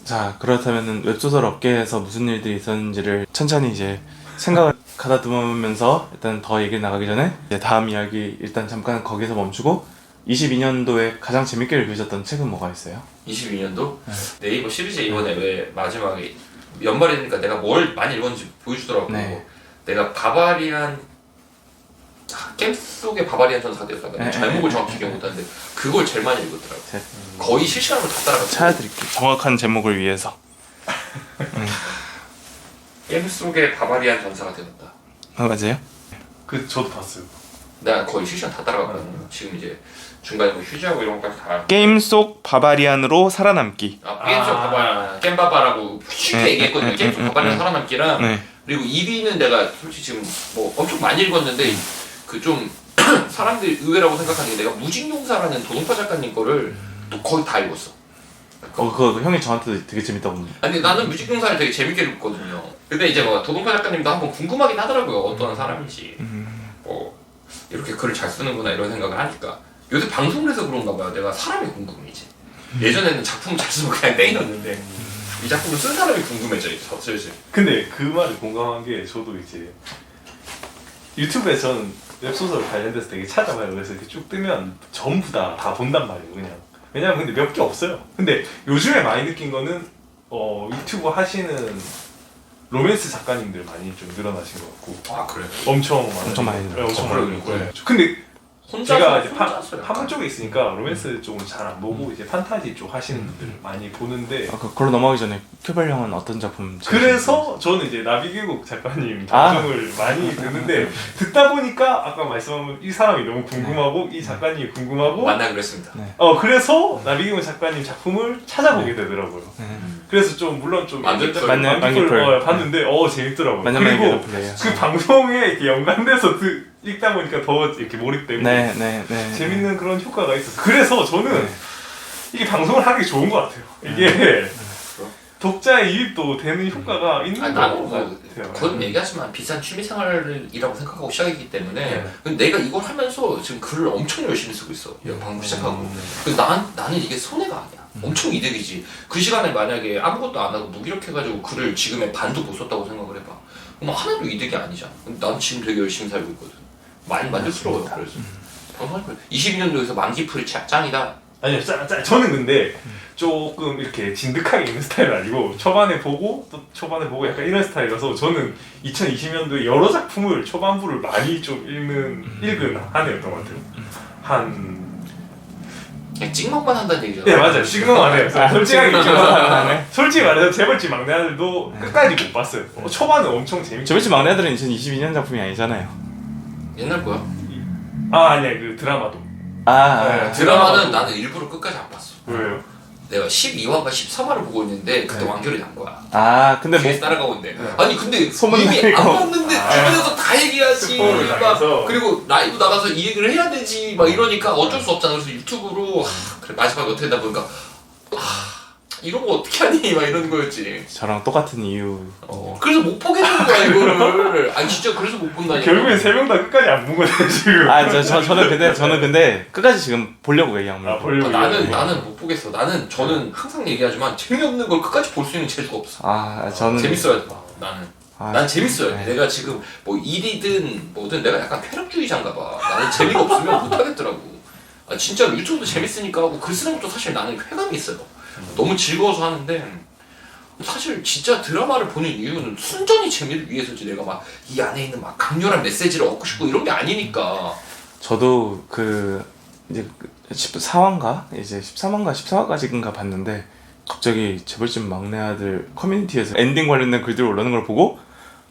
자, 그렇다면은 웹소설 업계에서 무슨 일들이 있었는지를 천천히 이제 생각을 가다듬으면서 일단 더 얘기 나가기 전에 이제 다음 이야기 일단 잠깐 거기서 멈추고 22년도에 가장 재밌게 읽으셨던 책은 뭐가 있어요? 22년도? 네이버 시리즈 이번에 왜 마지막에 연말이니까 내가 뭘 많이 읽었는지 보여주더라고. 네. 내가 바바리안 게임 속의 바바리안 전사가 되었다가 제목을 정확히 기억 못하는데 그걸 제일 많이 읽었더라고. 거의 실시간으로 다 따라갔어. 찾아드릴게요. 정확한 제목을 위해서. 게임 속의 바바리안 전사가 되었다. 맞아요? 그 저도 봤어요. 내가 거의 실시간 다 따라갔거든. 지금 이제 중간에 뭐 휴지하고 이런 것까지 다. 게임 속 바바리안으로 살아남기. 게임 속 바바리안, 겜바바라고 쉽게 얘기했거든요. 게임 속 바바리안 살아남기랑 네. 그리고 2위는 내가 솔직히 지금 뭐 엄청 많이 읽었는데 그 좀 사람들이 의외라고 생각하는 게 내가 무직용사라는 도동파 작가님 거를 또 거의 다 읽었어. 그거 형이 저한테도 되게 재밌다고. 아니 나는 무직용사를 되게 재밌게 읽었거든요. 근데 이제 뭐 도동파 작가님도 한번 궁금하긴 하더라고요. 어떤 사람인지. 뭐 이렇게 글을 잘 쓰는구나 이런 생각을 하니까 요새 방송을 해서 그런가 봐요. 내가 사람이 궁금해 이제. 예전에는 작품을 잘 쓰면 그냥 땡이었는데 이 작품을 쓴 사람이 궁금해져 이제 슬슬. 근데 그 말에 공감한 게 저도 이제 유튜브에 저는 웹소설 관련돼서 되게 찾아봐요. 그래서 이렇게 쭉 뜨면 전부 다 본단 말이에요. 그냥 왜냐면 근데 몇 개 없어요. 근데 요즘에 많이 느낀 거는 유튜브 하시는 로맨스 작가님들 많이 좀 늘어나신 것 같고. 아 그래? 엄청 많이 늘어났죠. 엄청 많이 그래. 늘어났죠. 근데 혼자서 제가 이제 혼자서 파문 쪽에 있으니까 로맨스 쪽은 잘 안 보고 이제 판타지 쪽 하시는 분들 많이 보는데 그걸로 넘어가기 전에 큐벨 형은 어떤 작품? 그래서 저는 이제 나비계곡 작가님 방송을 많이 듣는데 듣다 보니까 아까 말씀한 이 사람이 너무 궁금하고 이 작가님이 궁금하고 만나기로 했습니다. 네. 그래서 나비계곡 작가님 작품을 찾아보게 되더라고요. 그래서 좀 물론 좀 만년풀. 만년풀 봤는데 재밌더라고요. 그리고 그 방송에 이렇게 연관돼서 읽다 보니까 더 이렇게 몰입되고 네. 재밌는 그런 효과가 있었어요. 그래서 저는 이게 방송을 하는 게 좋은 것 같아요. 이게 독자의 이입도 되는 효과가 있는 것 나는 같아요. 그건 얘기하지만 비싼 취미생활이라고 생각하고 시작했기 때문에 근데 내가 이걸 하면서 지금 글을 엄청 열심히 쓰고 있어. 방송 시작하고. 나는 이게 손해가 아니야. 엄청 이득이지. 그 시간에 만약에 아무것도 안 하고 무기력해가지고 글을 지금의 반도 못 썼다고 생각을 해봐. 그럼 하나도 이득이 아니잖아. 근데 난 지금 되게 열심히 살고 있거든. 많이 만족스러워요. 그래서 방송할 거야. 22년도에서 만기풀이 짱이다. 아니요, 저는 근데 조금 이렇게 진득하게 읽는 스타일은 아니고 초반에 보고 또 초반에 보고 약간 이런 스타일이라서 저는 2020년도에 여러 작품을 초반부를 많이 좀 읽은 한 해였던 것 같아요. 그냥 찍먹만 한다는 얘기잖아. 네 맞아요. 지금은 안 해요. 솔직하게 얘기하면 솔직히 말해서 재벌집 막내 아들도 끝까지 못 봤어요. 초반은 엄청 재밌게. 재벌집 막내 아들은 2022년 작품이 아니잖아요. 옛날 거야. 아니야 그 드라마도. 네, 드라마는 나는 일부러 끝까지 안 봤어. 왜요? 내가 12화가 13화를 보고 있는데 그때 완결이 난 근데 거야. 뭐 뒤에서 따라가고 있는데 아니 근데 소문 이미 나니까. 안 봤는데 주변에서 다 얘기하지. 스포를 막 당해서. 그리고 라이브 나가서 이 얘기를 해야 되지 막 이러니까 어쩔 수 없잖아. 그래서 유튜브로 그래 마지막에 어떻게 되다 보니까 이런 거 어떻게 하니 막 이런 거였지. 저랑 똑같은 이유. 그래서 못 보겠는 거야 이거를. 아니 진짜 그래서 못 본다니까. 결국엔 세 명 다 끝까지 안 본 거네 지금. 저는 근데 끝까지 지금 보려고 얘기한 거예요. 보려고. 나는 못 보겠어. 저는 항상 얘기하지만 재미없는 걸 끝까지 볼 수 있는 재주가 없어. 저는 재밌어야 돼. 난 재밌어야 돼. 네. 내가 지금 뭐 일이든 뭐든 내가 약간 쾌락주의자인가 봐. 나는 재미가 없으면 못 하겠더라고. 진짜 유튜브도 재밌으니까 하고 글 쓰는 것도 사실 나는 쾌감이 있어요. 너무 즐거워서 하는데 사실 진짜 드라마를 보는 이유는 순전히 재미를 위해서지. 내가 막 이 안에 있는 막 강렬한 메시지를 얻고 싶고 이런 게 아니니까. 저도 이제 14화인가 이제 13화인가 14화까지인가 봤는데 갑자기 재벌집 막내 아들 커뮤니티에서 엔딩 관련된 글들이 올라오는 걸 보고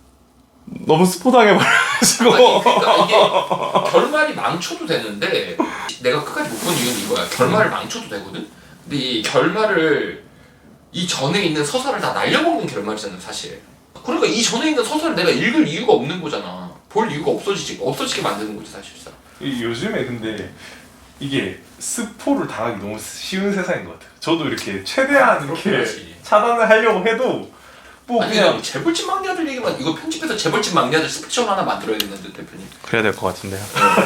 너무 스포 당해버려가지고. 그러니까 이게 결말이 망쳐도 되는데 내가 끝까지 못 본 이유는 이거야. 결말을 망쳐도 되거든. 근데 이 결말을 이 전에 있는 서사를 다 날려먹는 결말이잖아 사실. 그러니까 이 전에 있는 서사를 내가 읽을 이유가 없는 거잖아. 볼 이유가 없어지게 만드는 거지 사실상. 요즘에 근데 이게 스포를 당하기 너무 쉬운 세상인 것 같아요. 저도 이렇게 최대한 이렇게 그렇지. 차단을 하려고 해도 뭐 아니 그냥 그냥 재벌집 막내들 얘기만 이거 편집해서 재벌집 막내들 스피처 하나 만들어야겠는데 대표님. 그래야 될 것 같은데요.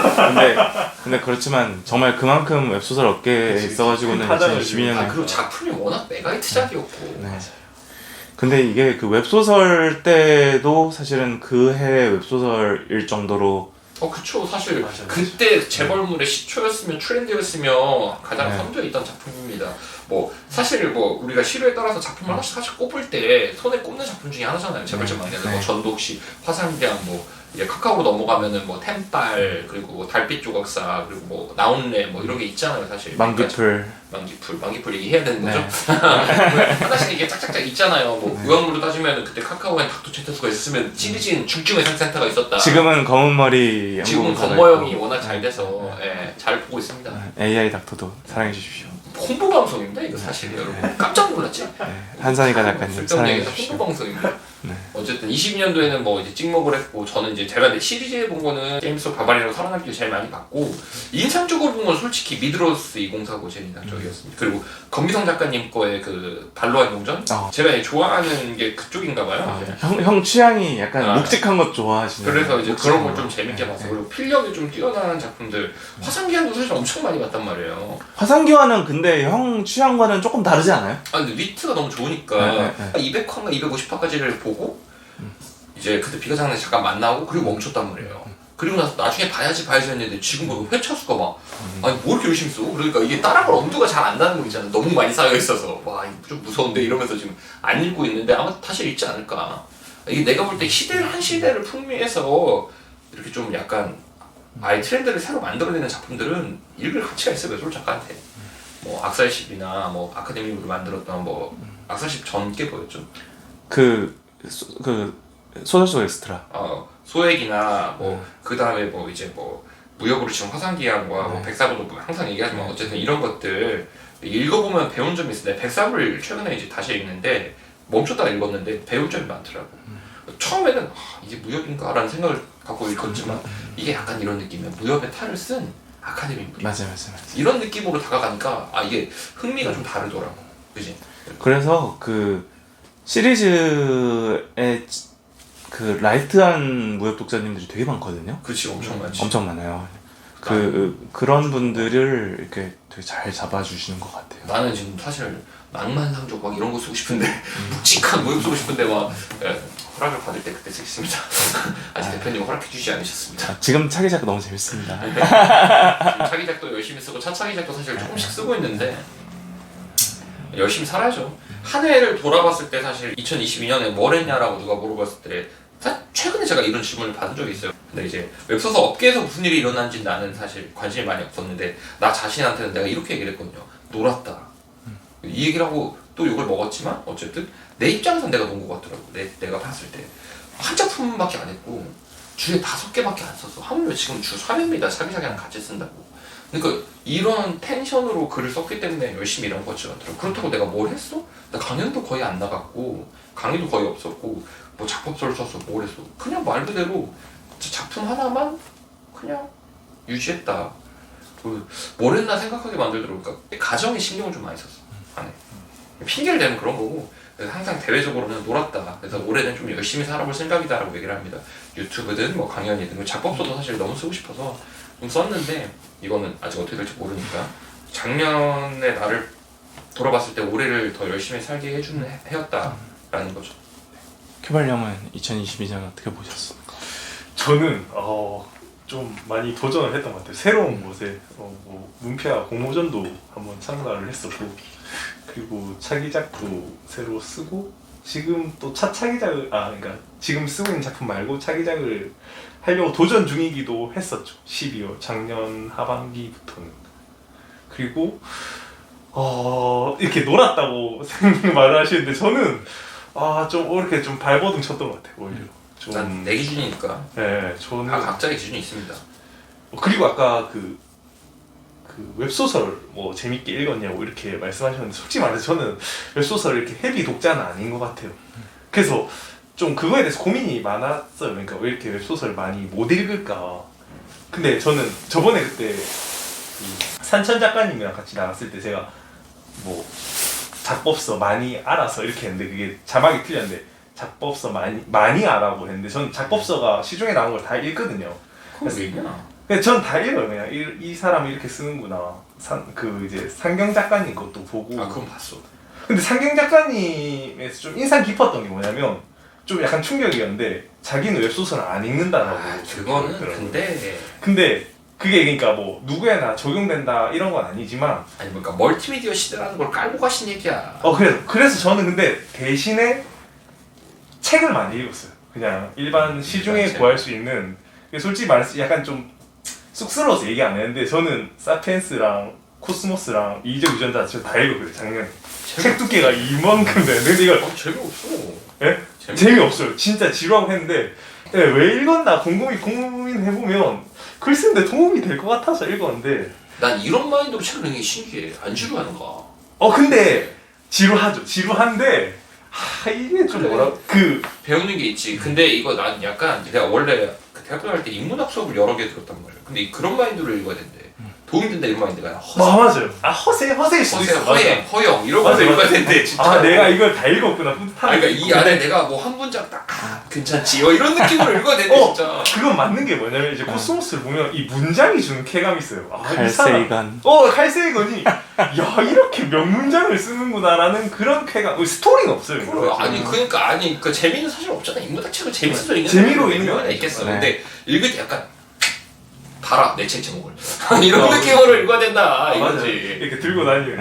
근데 그렇지만 정말 그만큼 웹소설 업계에 그치, 있어가지고는 파장을 2012년에 아 그리고 작품이 워낙 메가히트작이었고. 네. 근데 이게 그 웹소설 때도 사실은 그 해 웹소설일 정도로 그쵸 사실 맞아. 그때 재벌물의 시초였으면 트렌드였으며 가장 네. 선두에 있던 작품입니다. 뭐 사실 뭐 우리가 시류에 따라서 작품을 하나씩 사실 꼽을 때 손에 꼽는 작품 중에 하나잖아요. 재벌집 막내는 네. 뭐 전독시, 화산대왕 뭐 이제 카카오로 넘어가면은 뭐 템빨 그리고 뭐 달빛 조각사 그리고 뭐 나온레 뭐 이런 게 있잖아요 사실. 만기풀 만기풀 얘기해야 되는 거죠? 네. 하나씩 이게 짝짝짝 있잖아요. 뭐 네. 의학물로 따지면 그때 카카오엔 닥터체테스가 있었으면 시리즈인 중증외상센터가 있었다. 지금은 검은머리 지금은 연구원사가 건모형이 있고. 워낙 잘 돼서 예, 잘 보고 있습니다. AI 닥터도 사랑해 주십시오. 홍보 방송입니다 이거 사실 여러분 깜짝 놀랐지? 네. 한산이가 작가님 쓸데없는 사랑해 얘기가 주십시오. 홍보 방송입니다. 네. 어쨌든 22년도에는 뭐 이제 찍먹을 했고 저는 이제 제가 시리즈에 본 거는 게임스 오브 바바리아로 살아남기를 제일 많이 봤고 인상적으로 본 건 솔직히 미드로스 2049 제일 인상적이었습니다. 그리고 검기성 작가님 거의 그 발로한 용전 제가 좋아하는 게 그쪽인가 봐요. 형 취향이 약간 아. 묵직한 것 좋아하시네요. 그래서 이제 묵직한 그런 걸 좀 거. 재밌게 네. 봤어. 그리고 필력이 좀 뛰어난 작품들 화산기한도 사실 엄청 많이 봤단 말이에요. 화산기와는 근데 형 취향과는 조금 다르지 않아요? 아 근데 위트가 너무 좋으니까 네, 네, 200화인가 250화까지를 보고 이제 그때 비가 장난 잠깐 만나고 그리고 멈췄단 말이에요. 그리고 나서 나중에 봐야지 했는데 지금 뭐 회차 수가 막 아니 뭐 이렇게 열심히 써? 그러니까 이게 따라갈 엄두가 잘 안 나는 거 있잖아. 너무 많이 쌓여 있어서 와 이거 좀 무서운데 이러면서 지금 안 읽고 있는데 아마 다시 읽지 않을까. 이게 내가 볼 때 시대를 한 시대를 풍미해서 이렇게 좀 약간 아예 트렌드를 새로 만들어내는 작품들은 읽을 가치가 있어요. 웹소설 작가한테. 뭐 악살십이나 뭐 아카데미로 만들었던 뭐 악살십 전께 보였죠. 그 소설 속 엑스트라. 소액이나 뭐 그 다음에 뭐 이제 뭐 무역으로 지금 화산기한과 뭐 네. 백사부도 뭐 항상 얘기하지만 어쨌든 이런 것들 읽어보면 배운 점이 있어요. 백사부를 최근에 이제 다시 읽는데 멈췄다가 읽었는데 배울 점이 많더라고. 처음에는 이게 무협인가라는 생각을 갖고 읽었지만 이게 약간 이런 느낌이야. 무협의 탈을 쓴 아카데미물이야. 맞아요. 이런 느낌으로 다가가니까 이게 흥미가 좀 다르더라고. 그지? 그래서 그 시리즈에 그 라이트한 무협 독자님들이 되게 많거든요. 그치 엄청 많지. 엄청 많아요. 그런 분들을 이렇게 되게 잘 잡아주시는 것 같아요. 나는 지금 사실 낭만상족 막 이런 거 쓰고 싶은데 묵직한 무협 쓰고 싶은데 막 허락을 받을 때 그때 쓰겠습니다. 아직 대표님 허락해주지 않으셨습니다. 지금 차기작 너무 재밌습니다. 지금 차기작도 열심히 쓰고 차차기작도 사실 조금씩 쓰고 있는데 열심히 살아야죠. 한 해를 돌아봤을 때 사실 2022년에 뭘 했냐라고 누가 물어봤을 때 최근에 제가 이런 질문을 받은 적이 있어요. 근데 이제 웹소설 업계에서 무슨 일이 일어난지 나는 사실 관심이 많이 없었는데 나 자신한테는 내가 이렇게 얘기를 했거든요. 놀았다. 이 얘기를 하고 또 욕을 먹었지만 어쨌든 내 입장에선 내가 논 것 같더라고. 내가 봤을 때 한 작품밖에 안 했고 주에 5개밖에 안 썼어. 하물며 지금 주 3회입니다. 차기작이랑 같이 쓴다고. 그러니까 이런 텐션으로 글을 썼기 때문에 열심히 일한 거죠. 그렇다고 내가 뭘 했어? 나 강연도 거의 안 나갔고 강의도 거의 없었고 뭐 작법서를 썼어. 뭘 했어? 그냥 말 그대로 작품 하나만 그냥 유지했다. 뭘 했나 생각하게 만들더라고. 그러니까 가정에 신경을 좀 많이 썼어. 안에. 핑계를 대면 그런 거고 그래서 항상 대외적으로는 놀았다. 그래서 올해는 좀 열심히 살아볼 생각이다라고 얘기를 합니다. 유튜브든 뭐 강연이든 작법서도 사실 너무 쓰고 싶어서 좀 썼는데 이거는 아직 어떻게 될지 모르니까 작년에 나를 돌아봤을 때 올해를 더 열심히 살게 해주는 해였다라는 거죠. 큐발령은 2022년 어떻게 보셨습니까? 저는 좀 많이 도전을 했던 것 같아요. 새로운 곳에 뭐 문피아 공모전도 한번 참가를 했었고 그리고 차기작도 새로 쓰고 지금 또 차기작을 그러니까 지금 쓰고 있는 작품 말고 차기작을 하려고 도전 중이기도 했었죠. 12월 작년 하반기부터는. 그리고 이렇게 놀았다고 말을 하시는데 저는 좀 이렇게 좀 발버둥 쳤던 것 같아요. 오히려 좀. 난 내 기준이니까. 네, 저는. 각자의 기준이 있습니다. 그리고 아까 그 웹소설 뭐 재밌게 읽었냐고 이렇게 말씀하셨는데 솔직히 말해서 저는 웹소설 이렇게 헤비 독자는 아닌 것 같아요. 그래서 좀 그거에 대해서 고민이 많았어요. 그러니까 왜 이렇게 웹소설 많이 못 읽을까. 근데 저는 저번에 그때 산천 작가님이랑 같이 나갔을 때 제가 뭐 작법서 많이 알아서 이렇게 했는데 그게 자막이 틀렸는데 작법서 많이 알아보고 했는데 전 작법서가 시중에 나온 걸 다 읽거든요. 그건 왜 있냐? 근데 전 다 읽어요. 그냥 이 사람이 이렇게 쓰는구나. 그 이제 상경 작가님 것도 보고. 아 그건 봤어. 근데 상경 작가님에서 좀 인상 깊었던 게 뭐냐면 좀 약간 충격이었는데 자기는 웹소설을 안 읽는다라고. 그거는 그러더라고요. 근데 그게 그러니까 뭐 누구에나 적용된다 이런 건 아니지만 아니 그러니까 멀티미디어 시대라는 걸 깔고 가신 얘기야. 그래서 저는 근데 대신에 책을 많이 읽었어요. 그냥 일반 시중에 책. 구할 수 있는 솔직히 말해서 약간 좀 쑥스러워서 얘기 안 했는데 저는 사피엔스랑 코스모스랑 이적 유전자 다 읽었거든요 작년에. 책 두께가 이만큼 되는데 근데 이걸 재미없어. 예? 재미없어요. 진짜 지루하고 했는데 왜 읽었나 고민해보면 글 쓰는데 도움이 될 것 같아서 읽었는데 난 이런 마인드로 책을 읽는 게 신기해. 안 지루하는가? 근데 지루한데 이게 좀 그래. 뭐라 배우는 게 있지. 근데 이거 난 약간 내가 원래 그 대학교 다닐 때 인문학 수업을 여러 개 들었단 말이야. 근데 그런 마인드로 읽어야 된대. 도움이 된다 이런 마인드가 아니라 맞아요. 허세일 수도 있어. 허영 이런 거 읽어야 된대 진짜. 내가 이걸 다 읽었구나. 그러니까 이 안에 내가 뭐 한 문장 딱 괜찮지 이런 느낌으로 읽어야 되는데 진짜. 그건 맞는 게 뭐냐면 이제 코스모스를 보면 이 문장이 주는 쾌감이 있어요. 칼세이간. 칼세이건이 야 이렇게 명문장을 쓰는구나라는 그런 쾌감. 스토리는 없어요. 이거. 아니 그 재미는 사실 없잖아. 인문학 책을 재밌어서 읽는 재미로 사람이 읽는 몇 거 명이나 있겠어. 네. 근데 읽을 때 약간 봐라 내 책 제목을 이런 느낌으로 읽어야 된다 맞아요. 이거지. 이렇게 들고 다니는.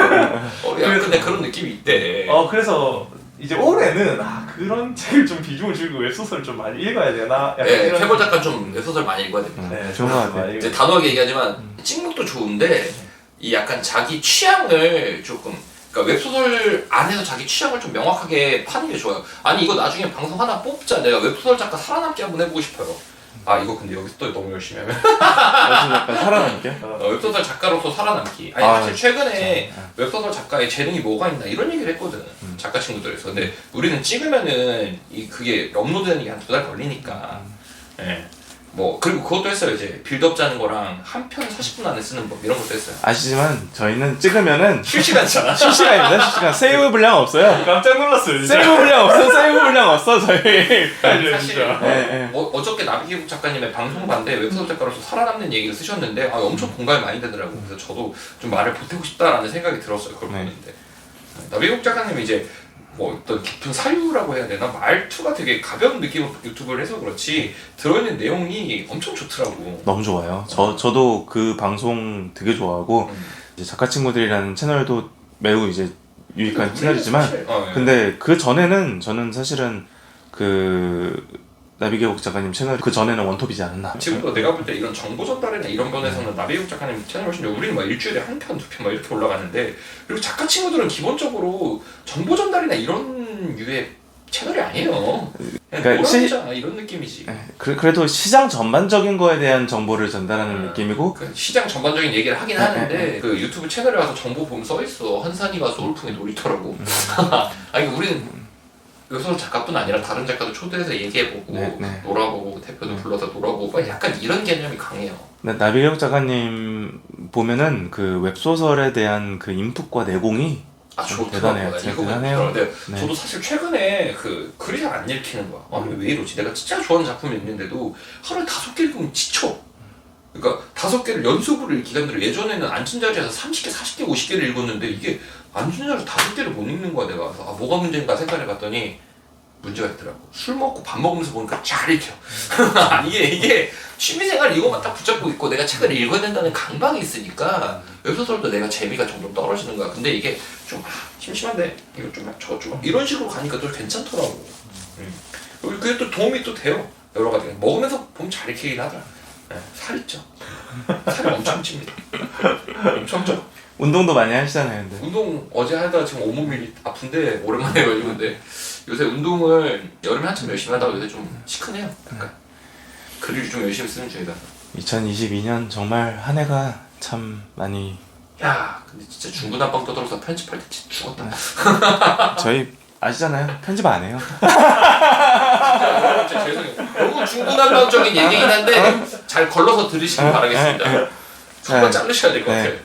근데 그런 느낌이 있대. 그래서 이제 올해는 그런 책을 좀 비중을 줄이고 웹소설을 좀 많이 읽어야 되나? 약간 네, 이런- 캐벌 작가 좀 웹소설 많이 읽어야 됩니다. 네, 좋은 것 같아요. 많이 이제 단호하게 얘기하지만 찍목도 좋은데 이 약간 자기 취향을 조금 그러니까 웹소설 안에서 자기 취향을 좀 명확하게 파는 게 좋아요. 아니 이거 나중에 방송 하나 뽑자. 내가 웹소설 작가 살아남기 한번 해보고 싶어요. 이거 근데 여기서 또 너무 열심히 하면 약간 살아남게. 웹소설 작가로서 살아남기. 아니 사실 최근에 웹소설 작가의 재능이 뭐가 있나 이런 얘기를 했거든. 작가 친구들에서. 근데 우리는 찍으면은 그게 업로드되는 게 한 2달 걸리니까. 예. 뭐 그리고 그것도 했어요. 이제 빌드업 짜는 거랑 한 편 40분 안에 쓰는 법 이런 것도 했어요. 아시지만 저희는 찍으면은 실시간이잖아. 실시간입니다. 실시간. 세이브 분량 없어요. 깜짝 놀랐어요. 진짜. 세이브 분량 없어 저희. 사실 네. 어저께 나비기국 작가님의 방송 봤는데 웹소설 작가로서 살아남는 얘기를 쓰셨는데 엄청 공감이 많이 되더라고. 그래서 저도 좀 말을 보태고 싶다라는 생각이 들었어요. 그걸 네. 보는데 나비기국 작가님이 이제 뭐 어떤 깊은 사유라고 해야 되나 말투가 되게 가벼운 느낌으로 유튜브를 해서 그렇지 들어있는 내용이 엄청 좋더라고. 너무 좋아요. 저도 그 방송 되게 좋아하고 이제 작가 친구들이라는 채널도 매우 이제 유익한 채널이지만 예. 근데 그 전에는 저는 사실은 그 나비계곡 작가님 채널 그 전에는 원톱이지 않았나. 지금도 내가 볼 때 이런 정보 전달이나 이런 번에서는 나비국 작가님 채널 훨씬 우리는 막 일주일에 한 편, 2편 막 이렇게 올라가는데 그리고 작가 친구들은 기본적으로 정보 전달이나 이런 유의 채널이 아니에요. 그러니까 그러니까 이런 느낌이지. 그래도 시장 전반적인 거에 대한 정보를 전달하는 느낌이고 그 시장 전반적인 얘기를 하긴 하는데 그 유튜브 채널에 가서 정보 보면 써있어. 한산이가 소울풍의 놀이터라고. 아니 우리는 웹소설 작가뿐 아니라 다른 작가도 초대해서 얘기해보고 네. 놀아보고 대표도 불러서 놀아보고 약간 이런 개념이 강해요. 나비계곡 작가님 보면은 그 웹소설에 대한 그 인풋과 내공이 대단해요. 대단해요. 근데 네. 저도 사실 최근에 그 글이 잘 안 읽히는 거야. 아니 왜 이러지? 내가 진짜 좋아하는 작품이 있는데도 하루에 5개 읽으면 지쳐. 그러니까 5개를 연속으로 읽기가 힘들어. 예전에는 앉은 자리에서 30개, 40개, 50개를 읽었는데 이게 앉은 자리에서 5개를 못 읽는 거야 내가. 그래서 뭐가 문제인가 생각해 봤더니 문제가 있더라고. 술 먹고 밥 먹으면서 보니까 잘 읽혀. 이게 취미생활 이거만 딱 붙잡고 있고 내가 책을 읽어야 된다는 강박이 있으니까 웹소설도 내가 재미가 점점 떨어지는 거야. 근데 이게 좀 심심한데 이거 좀 저거 좀 이런 식으로 가니까 또 괜찮더라고. 그리고 그게 또 도움이 또 돼요. 여러 가지 먹으면서 보면 잘 읽히긴 하더라. 네, 살이 쪄. 살이 엄청 찝니다. 엄청 쪄. 운동도 많이 하시잖아요, 근데. 운동 어제 하다가 지금 온몸이 아픈데 오랜만에 걸리는데 요새 운동을 여름에 한참 열심히 하다가 요새 좀 시큰해요. 약간 글을 좀 열심히 쓰는 중이다. 2022년 정말 한 해가 참 많이 야, 근데 진짜 중구난방 떠들어서 편집할 때 진짜 죽었다. 저희 아시잖아요. 편집 안 해요. 진짜 죄송해요. 너무 중구난방적인 얘기긴 한데 잘 걸러서 들으시길 바라겠습니다. 정말 자르셔야 될 것 같아요.